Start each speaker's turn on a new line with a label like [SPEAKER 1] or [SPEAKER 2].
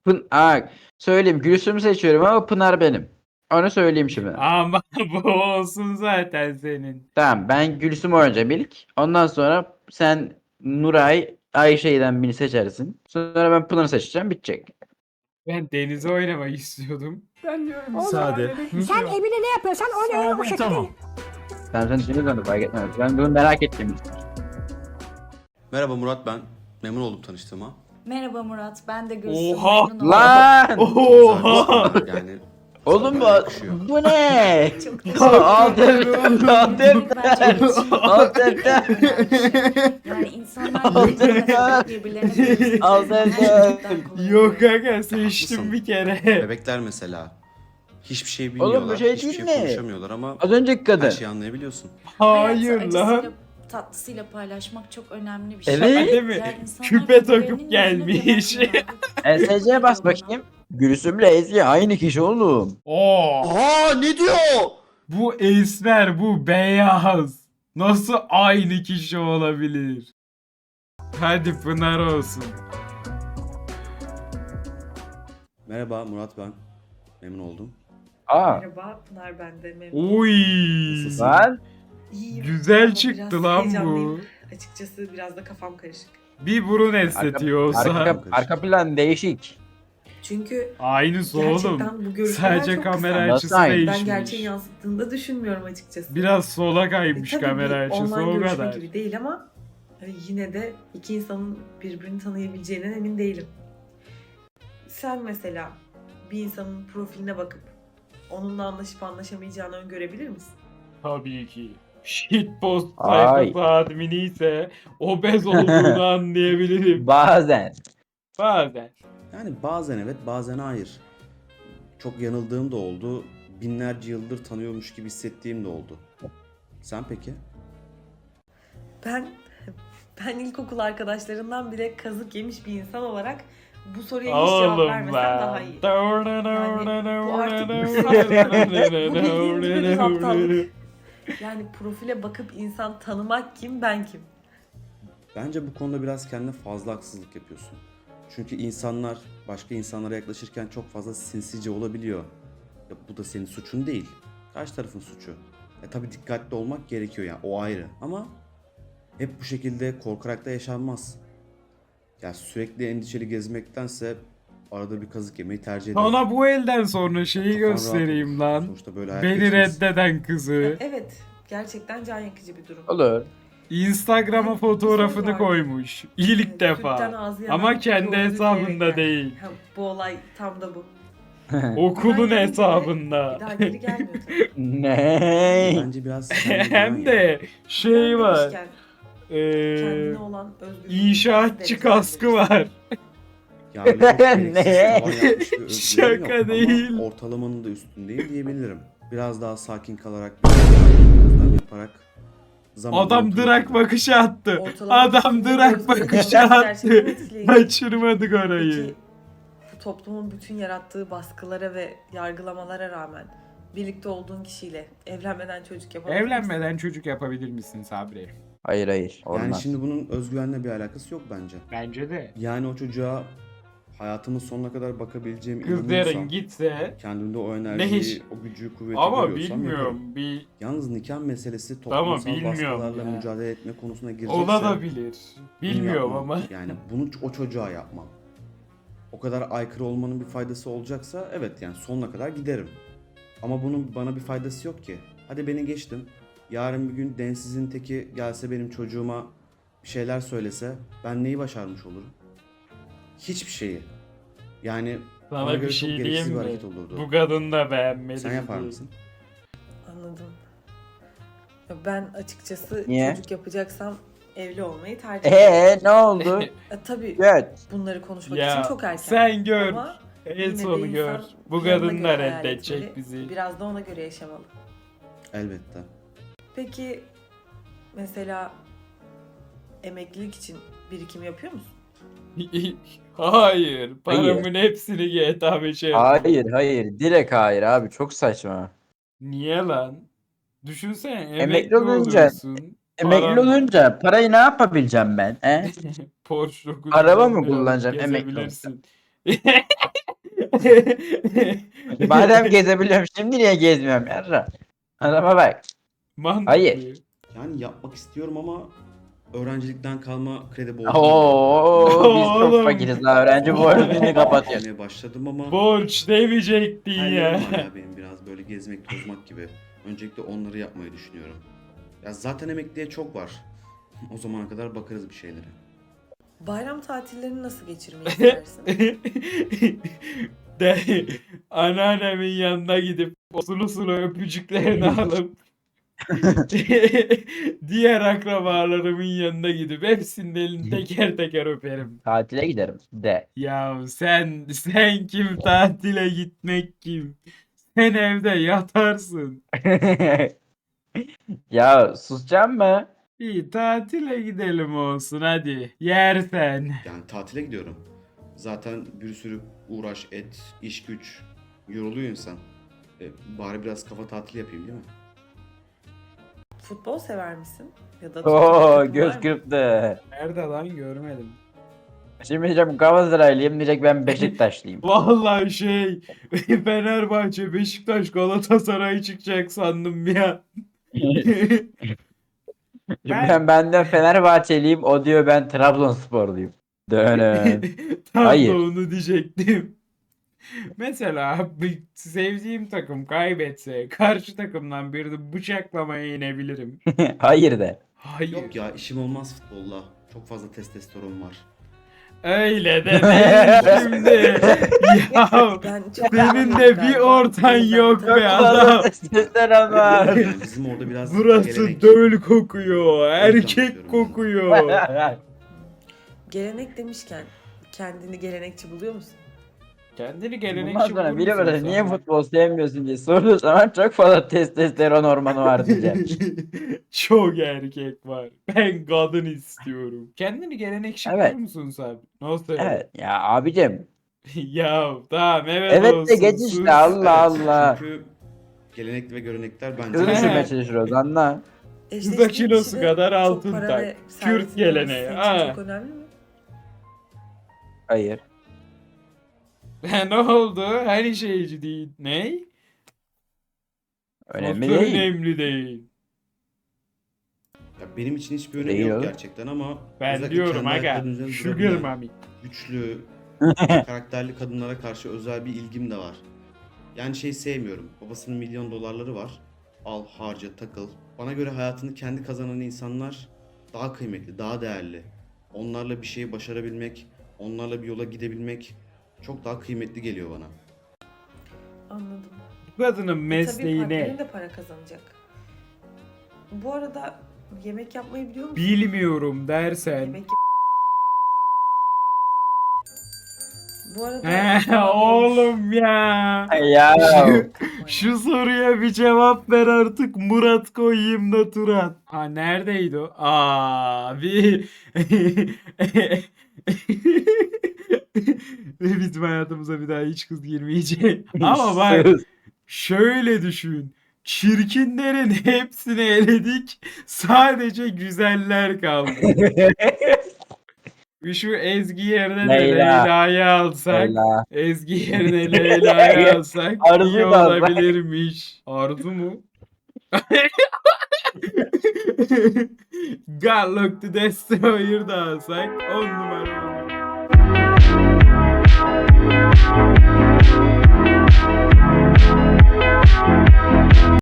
[SPEAKER 1] Söyleyeyim, Gülsüm'ü seçiyorum ama Pınar benim. Onu söyleyeyim şimdi.
[SPEAKER 2] Ama bu olsun zaten senin.
[SPEAKER 1] Tamam, ben Gülsüm oynayacağım ilk. Ondan sonra sen Nuray Ayşe'den birini seçersin. Sonra ben Pınar'ı seçeceğim, bitecek.
[SPEAKER 2] Ben Deniz'i oynamak istiyordum. Ben diyorum
[SPEAKER 3] Olur.
[SPEAKER 2] sade.
[SPEAKER 3] Sen evine ne yapıyorsan onu o şekilde.
[SPEAKER 2] Tamam.
[SPEAKER 1] Sen şimdi döndü, fark etmez. Ben bunu merak ettim.
[SPEAKER 4] Merhaba Murat ben. Memnun oldum tanıştığıma.
[SPEAKER 5] Merhaba Murat, ben de Gülsüm.
[SPEAKER 2] Oha!
[SPEAKER 5] Memnun oldum.
[SPEAKER 1] Lan!
[SPEAKER 2] Oha!
[SPEAKER 4] Yani
[SPEAKER 1] Oğlum bu,
[SPEAKER 4] yakışıyor.
[SPEAKER 1] bu ne?
[SPEAKER 5] Çok teşekkür ederim.
[SPEAKER 1] Alt F4.
[SPEAKER 5] Yani insanlar birbirlerine dönüştükçe
[SPEAKER 1] Al sen
[SPEAKER 5] her şey
[SPEAKER 1] de.
[SPEAKER 5] çok daha kolay
[SPEAKER 2] Yok
[SPEAKER 5] oluyor.
[SPEAKER 2] aga seçtim bir kere.
[SPEAKER 4] Bebekler mesela. Hiçbir şey bilmiyorlar.
[SPEAKER 1] Oğlum bu şey
[SPEAKER 4] hiçbir
[SPEAKER 1] değil
[SPEAKER 4] şey
[SPEAKER 1] mi?
[SPEAKER 4] konuşamıyorlar ama
[SPEAKER 1] Az önceki kadın.
[SPEAKER 4] her şeyi anlayabiliyorsun.
[SPEAKER 2] Hayır
[SPEAKER 5] Hayatı
[SPEAKER 2] lan.
[SPEAKER 5] acısıyla, tatlısıyla paylaşmak çok önemli bir şey.
[SPEAKER 1] Evet.
[SPEAKER 2] Değil mi?
[SPEAKER 5] Diğer insanlar
[SPEAKER 2] Küpe
[SPEAKER 5] birbirlerinin
[SPEAKER 2] takıp
[SPEAKER 5] yüzüne
[SPEAKER 2] gelmiş.
[SPEAKER 5] güvenmiyorlar.
[SPEAKER 1] SC'ye bas bakayım. Gülsüm'le Ezgi aynı kişi oğlum.
[SPEAKER 2] Oo.
[SPEAKER 4] Aa ne diyor?
[SPEAKER 2] Bu esmer, bu beyaz. Nasıl aynı kişi olabilir? Hadi Pınar olsun.
[SPEAKER 4] Merhaba Murat ben. Memnun oldum.
[SPEAKER 1] Aa,
[SPEAKER 6] Merhaba Pınar, ben de memnun.
[SPEAKER 2] Oy.
[SPEAKER 4] Nasılsın?
[SPEAKER 1] lan.
[SPEAKER 6] İyiyim
[SPEAKER 2] Güzel
[SPEAKER 6] ama
[SPEAKER 2] çıktı
[SPEAKER 6] biraz
[SPEAKER 2] lan bu.
[SPEAKER 6] heyecanlıyım. Açıkçası biraz da kafam karışık.
[SPEAKER 2] Bir burun estetiği olsa.
[SPEAKER 1] Arka plan değişik.
[SPEAKER 6] Çünkü
[SPEAKER 2] Aynısı oğlum.
[SPEAKER 6] gerçekten bu görüntüler
[SPEAKER 2] Sadece
[SPEAKER 6] çok
[SPEAKER 2] kamera
[SPEAKER 6] kısa.
[SPEAKER 1] Nasıl
[SPEAKER 2] açısı
[SPEAKER 1] aynı?
[SPEAKER 6] Ben
[SPEAKER 2] değişmiş.
[SPEAKER 6] gerçeği yansıttığını da düşünmüyorum açıkçası.
[SPEAKER 2] Biraz sola kaymış
[SPEAKER 6] Tabii
[SPEAKER 2] kamera
[SPEAKER 6] bir
[SPEAKER 2] açısı
[SPEAKER 6] online
[SPEAKER 2] o
[SPEAKER 6] görüşme
[SPEAKER 2] kadar.
[SPEAKER 6] gibi değil ama hani yine de iki insanın birbirini tanıyabileceğinden emin değilim. Sen mesela bir insanın profiline bakıp onunla anlaşıp anlaşamayacağını öngörebilir misin?
[SPEAKER 2] Tabii ki. Shitpost
[SPEAKER 1] Ay.
[SPEAKER 2] sayfası admini ise obez olduğunu anlayabilirim.
[SPEAKER 1] Bazen.
[SPEAKER 2] Bazen.
[SPEAKER 4] Yani bazen evet bazen hayır. Çok yanıldığım da oldu. Binlerce yıldır tanıyormuş gibi hissettiğim de oldu. Sen peki?
[SPEAKER 6] Ben ilkokul arkadaşlarından bile kazık yemiş bir insan olarak bu soruya hiç cevap
[SPEAKER 2] Oğlum
[SPEAKER 6] vermesem
[SPEAKER 2] lan.
[SPEAKER 6] daha iyi. Bu artık bir saflık. Bu bildiğin gibi bir aptallık. Yani profile bakıp insan tanımak kim, ben kim?
[SPEAKER 4] Bence bu konuda biraz kendine fazla haksızlık yapıyorsun. Çünkü insanlar başka insanlara yaklaşırken çok fazla sinsice olabiliyor. Ya bu da senin suçun değil. Karşı tarafın suçu. Tabii dikkatli olmak gerekiyor yani o ayrı. Ama hep bu şekilde korkarak da yaşanmaz. Ya sürekli endişeli gezmektense arada bir kazık yemeyi tercih ederim.
[SPEAKER 2] Sana bu elden sonra şeyi
[SPEAKER 4] Kafan rahat
[SPEAKER 2] göstereyim
[SPEAKER 4] olur.
[SPEAKER 2] lan.
[SPEAKER 4] Sonuçta böyle hayat
[SPEAKER 2] Beni
[SPEAKER 4] geçmez.
[SPEAKER 2] reddeden kızı.
[SPEAKER 6] Evet, gerçekten can yakıcı bir durum.
[SPEAKER 1] Olur.
[SPEAKER 2] Instagram'a fotoğrafını
[SPEAKER 6] Var.
[SPEAKER 2] koymuş. İlk
[SPEAKER 6] Evet, sütten
[SPEAKER 2] defa.
[SPEAKER 6] ağzı yanan
[SPEAKER 2] Ama kendi
[SPEAKER 6] yolcu
[SPEAKER 2] hesabında
[SPEAKER 6] diyerek yani.
[SPEAKER 2] değil.
[SPEAKER 6] Ha, bu olay tam da bu.
[SPEAKER 2] Okulun
[SPEAKER 6] Hemen gelince de
[SPEAKER 2] hesabında.
[SPEAKER 6] Bir daha geri gelmiyor tabii.
[SPEAKER 1] Ne?
[SPEAKER 4] Bence biraz kendine
[SPEAKER 2] Hem
[SPEAKER 4] güven ya.
[SPEAKER 2] de şey var.
[SPEAKER 6] Demişken,
[SPEAKER 2] Eee
[SPEAKER 6] kendine olan özgürlüğü
[SPEAKER 2] inşaatçı kaskı var.
[SPEAKER 4] Ya öyle çok gereksiz
[SPEAKER 1] Ne?
[SPEAKER 4] tavan yapmış bir özgüvenim
[SPEAKER 2] Şaka
[SPEAKER 4] yok.
[SPEAKER 2] değil.
[SPEAKER 4] Ama ortalamanın da üstündeyim diyebilirim. Biraz daha sakin kalarak, biraz daha gözlem yaparak zamanla
[SPEAKER 2] Adam
[SPEAKER 4] oturup-
[SPEAKER 2] drak bakışı attı.
[SPEAKER 6] Ortalama
[SPEAKER 2] Adam
[SPEAKER 6] kişinin
[SPEAKER 2] drak
[SPEAKER 6] özgürlüğü
[SPEAKER 2] bakışı
[SPEAKER 6] gerçekten
[SPEAKER 2] attı.
[SPEAKER 6] etkileyici.
[SPEAKER 2] Kaçırmadık orayı.
[SPEAKER 6] Peki bu toplumun bütün yarattığı baskılara ve yargılamalara rağmen birlikte olduğun kişiyle evlenmeden çocuk yapabilir misin?
[SPEAKER 2] Evlenmeden çocuk yapabilir misin Sabri?
[SPEAKER 1] Hayır hayır.
[SPEAKER 4] Yani
[SPEAKER 1] Olmaz.
[SPEAKER 4] şimdi bunun özgüvenle bir alakası yok bence.
[SPEAKER 2] Bence de.
[SPEAKER 4] Yani o çocuğa hayatımın sonuna kadar bakabileceğim
[SPEAKER 2] Kızların gitse
[SPEAKER 4] kendimde o
[SPEAKER 2] Ne
[SPEAKER 4] enerjiyi,
[SPEAKER 2] iş?
[SPEAKER 4] o gücü, kuvveti
[SPEAKER 2] ama
[SPEAKER 4] görüyorsam yaparım.
[SPEAKER 2] bilmiyorum bir
[SPEAKER 4] Yalnız nikah meselesi
[SPEAKER 2] Tamam,
[SPEAKER 4] toplumsal
[SPEAKER 2] bilmiyorum
[SPEAKER 4] baskılarla
[SPEAKER 2] ya.
[SPEAKER 4] mücadele etme konusuna girecekse
[SPEAKER 2] olabilir.
[SPEAKER 4] bunu
[SPEAKER 2] Bilmiyorum
[SPEAKER 4] yapmam.
[SPEAKER 2] ama.
[SPEAKER 4] Yani bunu o çocuğa yapmam. O kadar aykırı olmanın bir faydası olacaksa evet yani sonuna kadar giderim. Ama bunun bana bir faydası yok ki. Hadi beni geçtim. Yarın bir gün densizin teki gelse benim çocuğuma bir şeyler söylese ben neyi başarmış olurum? Hiçbir şeyi. Yani bana
[SPEAKER 2] Sana
[SPEAKER 4] göre
[SPEAKER 2] bir
[SPEAKER 4] çok
[SPEAKER 2] şey
[SPEAKER 4] gereksiz
[SPEAKER 2] diyeyim
[SPEAKER 4] bir
[SPEAKER 2] mi?
[SPEAKER 4] hareket olurdu.
[SPEAKER 2] Bu kadın da beğenmedi.
[SPEAKER 4] Sen yapar
[SPEAKER 2] bizi.
[SPEAKER 4] mısın?
[SPEAKER 6] Anladım. Ya ben açıkçası
[SPEAKER 1] Niye?
[SPEAKER 6] çocuk yapacaksam evli olmayı tercih ederim.
[SPEAKER 1] Ne oldu?
[SPEAKER 6] Tabii
[SPEAKER 1] Evet.
[SPEAKER 6] bunları konuşmak
[SPEAKER 2] Ya
[SPEAKER 6] için çok erken.
[SPEAKER 2] sen gör.
[SPEAKER 6] Ama
[SPEAKER 2] En
[SPEAKER 6] yine de
[SPEAKER 2] sonu
[SPEAKER 6] insan
[SPEAKER 2] gör. Bu
[SPEAKER 6] planına
[SPEAKER 2] kadın da
[SPEAKER 6] göre hayal
[SPEAKER 2] reddedecek
[SPEAKER 6] etmeli.
[SPEAKER 2] bizi.
[SPEAKER 6] Biraz da ona göre yaşamalı.
[SPEAKER 4] Elbette.
[SPEAKER 6] Peki mesela emeklilik için birikim yapıyor musun?
[SPEAKER 2] Hayır. Paramın hepsini GTA 5'e yatırdım.
[SPEAKER 1] Hayır hayır. Direkt hayır abi. Çok saçma.
[SPEAKER 2] Niye lan? Düşünsene
[SPEAKER 1] Emekli
[SPEAKER 2] emekli
[SPEAKER 1] olunca-
[SPEAKER 2] oluyorsun.
[SPEAKER 1] Emekli
[SPEAKER 2] paran var.
[SPEAKER 1] olunca parayı ne yapabileceğim ben? He?
[SPEAKER 2] Porsche 911
[SPEAKER 1] Araba mı
[SPEAKER 2] alıp
[SPEAKER 1] kullanacağım emekli
[SPEAKER 2] gezebilirsin.
[SPEAKER 1] Madem gezebiliyorum şimdi niye gezmiyorum yarra? Adama bak.
[SPEAKER 2] Mantıklı.
[SPEAKER 1] Hayır.
[SPEAKER 4] Yani yapmak istiyorum ama öğrencilikten kalma kredi borcum var.
[SPEAKER 1] Oo, biz
[SPEAKER 2] Oğlum.
[SPEAKER 1] çok fakiriz la öğrenci borcunu kapatıyoruz.
[SPEAKER 4] Almaya başladım ama
[SPEAKER 2] Borç demeyecektin ya.
[SPEAKER 4] hayallerim var ya benim biraz böyle gezmek tozmak gibi. Öncelikle onları yapmayı düşünüyorum. Ya zaten emekliye çok var. O zamana kadar bakarız bir şeylere.
[SPEAKER 6] Bayram tatillerini nasıl geçirmeyi istersin?
[SPEAKER 2] De, anneannemin yanına gidip o sulu sulu öpücüklerini alıp diğer akrabalarımın yanına gidip hepsinin elini teker teker öperim.
[SPEAKER 1] Tatile giderim de.
[SPEAKER 2] Ya sen kim, tatile gitmek kim? Sen evde yatarsın.
[SPEAKER 1] Ya susacağım mı?
[SPEAKER 2] Bir tatile gidelim olsun hadi. Yersen.
[SPEAKER 4] Yani tatile gidiyorum. Zaten bir sürü uğraş, et, iş güç yoruluyor insan. Bari biraz kafa tatili yapayım değil mi?
[SPEAKER 6] Futbol sever misin? Ya da tuttuğun
[SPEAKER 1] Oo
[SPEAKER 6] takım var
[SPEAKER 1] göz
[SPEAKER 6] mı?
[SPEAKER 1] kırptı.
[SPEAKER 2] Nerede lan, görmedim.
[SPEAKER 1] Şimdi diyeceğim Galatasaraylıyım diyecek ben Beşiktaşlıyım.
[SPEAKER 2] Vallahi Fenerbahçe, Beşiktaş, Galatasaray çıkacak sandım ya.
[SPEAKER 1] Ben benden Fenerbahçeliyim o diyor ben Trabzonsporluyum. Dönün.
[SPEAKER 2] Tam
[SPEAKER 1] Hayır.
[SPEAKER 2] da onu diyecektim. Mesela bir sevdiğim takım kaybetse karşı takımdan birini bıçaklamaya inebilirim.
[SPEAKER 1] Hayır de.
[SPEAKER 4] Yok
[SPEAKER 2] Hayır.
[SPEAKER 4] ya işim olmaz futbolla. Çok fazla testosteron var.
[SPEAKER 2] Öyle de değil şimdi. Ya
[SPEAKER 6] Ben çok
[SPEAKER 2] senin de bir ortan yok be adam.
[SPEAKER 1] Testosteron var.
[SPEAKER 4] Yani bizim orada biraz
[SPEAKER 2] Burası
[SPEAKER 4] gelenek.
[SPEAKER 2] döl kokuyor. Erkek
[SPEAKER 4] yapıyorum.
[SPEAKER 2] kokuyor.
[SPEAKER 6] Gelenek demişken kendini gelenekçi buluyor musun?
[SPEAKER 2] Kendini
[SPEAKER 1] Bundan
[SPEAKER 2] gelenekçi
[SPEAKER 1] sonra
[SPEAKER 2] bulur
[SPEAKER 1] biri
[SPEAKER 2] musun
[SPEAKER 1] böyle
[SPEAKER 2] sen?
[SPEAKER 1] niye futbol sevmiyorsun diye sorduğu zaman çok fazla testosteron hormonu var diyeceğim.
[SPEAKER 2] Çok erkek var. Ben kadın istiyorum. Kendini gelenekçi
[SPEAKER 1] Evet.
[SPEAKER 2] bulur musun sen? Nasıl?
[SPEAKER 1] Evet ya abicim.
[SPEAKER 2] Ya tamam, evet
[SPEAKER 1] Evet
[SPEAKER 2] olsun.
[SPEAKER 1] de geç
[SPEAKER 2] sus.
[SPEAKER 1] işte Allah
[SPEAKER 4] Evet,
[SPEAKER 1] Allah.
[SPEAKER 4] Çünkü gelenekli ve görenekler bence
[SPEAKER 1] Kızı
[SPEAKER 2] He.
[SPEAKER 1] düşürmeye çalışıyoruz anla.
[SPEAKER 6] Eşleştiğin
[SPEAKER 2] kilosu
[SPEAKER 6] kişide
[SPEAKER 2] kadar
[SPEAKER 6] çok
[SPEAKER 2] altın
[SPEAKER 6] para
[SPEAKER 2] tak.
[SPEAKER 6] ve
[SPEAKER 2] Kürt
[SPEAKER 6] servetin
[SPEAKER 2] geleneği,
[SPEAKER 6] olması senin için
[SPEAKER 2] ha.
[SPEAKER 6] çok önemli mi?
[SPEAKER 1] Hayır.
[SPEAKER 2] Ne oldu? Her şeyci değil. Ne?
[SPEAKER 1] Önemli
[SPEAKER 2] Nasıl
[SPEAKER 1] değil.
[SPEAKER 2] önemli değil.
[SPEAKER 4] ya benim için hiçbir önemi
[SPEAKER 1] Değil
[SPEAKER 4] yok
[SPEAKER 1] oğlum.
[SPEAKER 4] gerçekten ama
[SPEAKER 2] Ben
[SPEAKER 4] özellikle
[SPEAKER 2] diyorum
[SPEAKER 4] kendi
[SPEAKER 2] aga.
[SPEAKER 4] ayaklarının üzerinde
[SPEAKER 2] Sugar
[SPEAKER 4] durabilen,
[SPEAKER 2] mami.
[SPEAKER 4] güçlü, karakterli kadınlara karşı özel bir ilgim de var. Yani şey sevmiyorum. Babasının milyon dolarları var. Al, harca, takıl. Bana göre hayatını kendi kazanan insanlar daha kıymetli, daha değerli. Onlarla bir şeyi başarabilmek, onlarla bir yola gidebilmek çok daha kıymetli geliyor bana.
[SPEAKER 6] Anladım.
[SPEAKER 2] Bu kadının
[SPEAKER 6] Tabii
[SPEAKER 2] mesleği
[SPEAKER 6] partnerin
[SPEAKER 2] ne?
[SPEAKER 6] de para kazanacak. Bu arada yemek yapmayı biliyor musun?
[SPEAKER 2] Bilmiyorum dersen.
[SPEAKER 6] Yemek Bu arada
[SPEAKER 2] He, oğlum ya.
[SPEAKER 1] Ya.
[SPEAKER 2] Şu soruya bir cevap ver artık, Murat koyayım da Turan. Ha, neredeydi o? Abi. Ve bizim hayatımıza bir daha hiç kız girmeyecek. Ama bak,
[SPEAKER 1] Sus.
[SPEAKER 2] şöyle düşün. Çirkinlerin hepsini eledik. Sadece güzeller kaldı. Şu Ezgi yerine de
[SPEAKER 1] Leyla.
[SPEAKER 2] Leyla'yı alsak.
[SPEAKER 1] Leyla.
[SPEAKER 2] Ezgi yerine Leyla'yı alsak
[SPEAKER 1] Arzu
[SPEAKER 2] iyi
[SPEAKER 1] da alsak.
[SPEAKER 2] olabilirmiş. Arzu mu? God Look the Destroyer da alsak 10 numara olur.